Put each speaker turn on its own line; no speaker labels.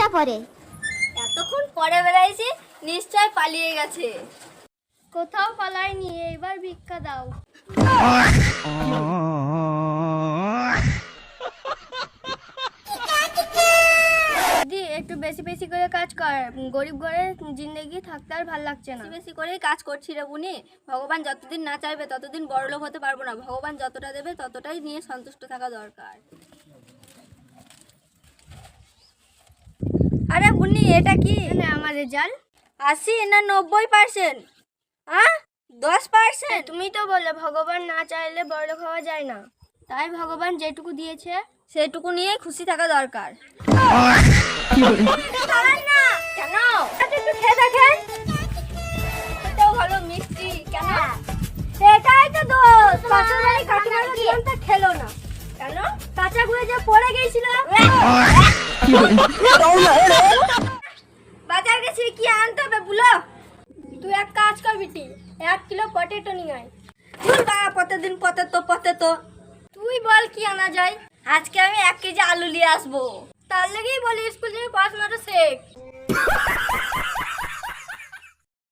পরে।
এতক্ষণ পরে বেড়াইছি, নিশ্চয় পালিয়ে গেছে।
কোথাও পালাইনি, এবার ভিক্ষা দাও। দিদি একটু বেশি বেশি করে কাজ কর, গরিব ঘরে জিন্দগি থাকতে আর ভাল লাগছে না।
বেশি বেশি করেই কাজ করছি রে বুনি। ভগবান যতদিন না চাইবে ততদিন বড়লোক হতে পারবো না। ভগবান যতটা দেবে ততটাই নিয়ে সন্তুষ্ট থাকা দরকার। আরে বুনি, এটা কি?
আমার রেজাল্ট
80 না 90%? হ্যাঁ, 10%।
তুমি তো বললে ভগবান না চাইলে বড়লোক হওয়া যায় না, তাই ভগবান যেটুকু দিয়েছে
সেটুকু নিয়ে খুশি থাকা দরকার।
না
কেন? একটু খেয়ে দেখেন, এটাও ভালো মিষ্টি। কেন?
সেটাই তো দোষ, পাশের বাড়ি কাকিমার জীবনটা খেলো না।
কেন?
কাঁচা ঘুরে যে পড়ে গিয়েছিল।
বাজার গেছি, কি আনতে হবে বলো?
তুই এক কাজ কর বিটি, 1 কিলো পটেটো নিয়ে আয়।
ভুল বাবা, প্রতিদিন পতে।
তুই বল কি আনা যায়।
আজকে আমি 1 কেজি আলু নিয়ে আসবো।
তার লেগেই বলি স্কুল থেকে পড়াশোনাটা শেখ।